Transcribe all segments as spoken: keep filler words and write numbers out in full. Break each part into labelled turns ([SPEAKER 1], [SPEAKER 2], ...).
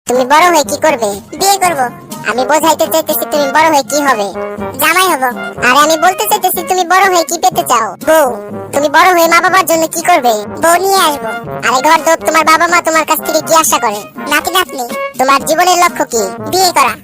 [SPEAKER 1] তুমি বড় হয়ে কি করবে? বিয়ে করব। আমি বোঝাইতে চাইতেছি তুমি বড় হয়ে কি হবে? জামাই হব। আরে আমি বলতে চাইতেছি তুমি বড় হয়ে কি পেতে চাও? বউ। তুমি বড় হয়ে মা বাবার জন্য কি করবে? বউ নিয়ে আসবো। আরে ঘর দোর তোমার বাবা মা তোমার কাছ থেকে কি আশা করে? নাতি নাতনি। তোমার জীবনের লক্ষ্য কি? বিয়ে করা।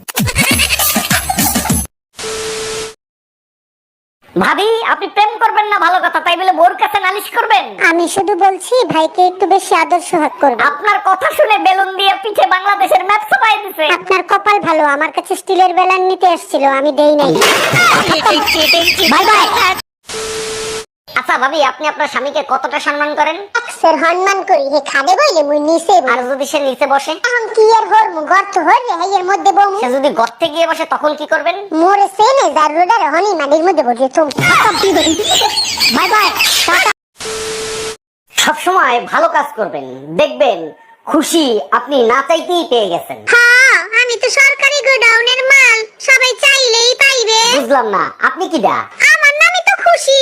[SPEAKER 2] ভাবি, আপনি প্রেম করবেন না ভালো কথা, তাই বলে বোর কাছে নালিশ করবেন?
[SPEAKER 1] আমি শুধু বলছি ভাইকে একটু বেশি আদর সোহাগ করবে।
[SPEAKER 2] আপনার কথা শুনে বেলুন দিয়ে পিঠে বাংলাদেশের ম্যাপ ছাপাই দিছে।
[SPEAKER 1] আপনার কপাল ভালো, আমার কাছে স্টিলের বেলান নিতে এসেছিল, আমি দেই নাই।
[SPEAKER 2] Bye bye. আচ্ছা ভাবি, আপনি আপনার স্বামীকে কতটা সম্মান করেন?
[SPEAKER 1] স্যার সম্মান করি, হে খাদে বইলে মুই নিচে।
[SPEAKER 2] আর যদি সে নিচে বসে?
[SPEAKER 1] এখন কি আর হরমু, গর্ত হরে হেয়ের মধ্যে বমু।
[SPEAKER 2] সে যদি গর্তে গিয়ে বসে তখন কি করবেন?
[SPEAKER 1] মোরে সেনে যার রোডার হনি মাটির মধ্যে বসে তুমি।
[SPEAKER 2] Bye bye. সব সময় ভালো কাজ করবেন, দেখবেন খুশি আপনি না চাইতেই পেয়ে গেছেন।
[SPEAKER 1] হ্যাঁ, আমি তো সরকারি গোডাউনের মাল, সবাই চাইলেই পাইবে।
[SPEAKER 2] বুঝলাম না, আপনি কি দা?
[SPEAKER 1] আমার নামই তো খুশি।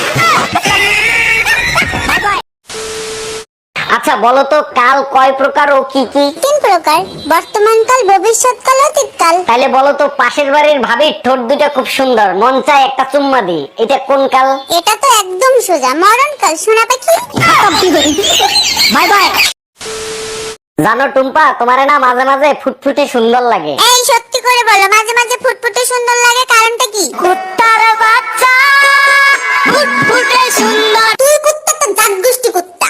[SPEAKER 2] আচ্ছা বলো তো, কাল কয় প্রকার ও কি কি?
[SPEAKER 1] তিন প্রকার, বর্তমান কাল, ভবিষ্যৎ কাল, অতীত কাল।
[SPEAKER 2] তাহলে বলো তো, পাশের বাড়ির ভাবির ঠোঁট দুটা খুব সুন্দর, মন চায় একটা চুম্মা দিই, এটা কোন কাল?
[SPEAKER 1] এটা তো একদম সোজা, মরণ কাল। শোনা পাখি।
[SPEAKER 2] Bye bye. জানো টুম্পা, তোমারে না মাঝে মাঝে ফুটফুটে সুন্দর লাগে।
[SPEAKER 1] এই সত্যি করে বলো, মাঝে মাঝে ফুটফুটে সুন্দর লাগে, কারণটা কি?
[SPEAKER 2] কুত্তার বাচ্চা ফুটফুটে সুন্দর।
[SPEAKER 1] তুই কুত্তা তো জাত গোষ্ঠী কুত্তা।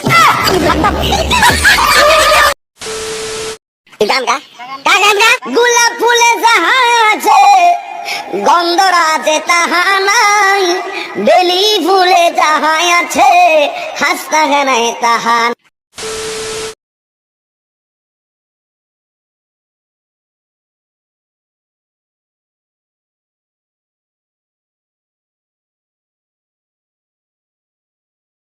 [SPEAKER 2] গান গা গা গান গা। গোলাপ ফুলে যাহা আছে, গন্ধরাজে তাহা নাই, বেলি ফুলে যাহা আছে, হাসতা গানায় তাহা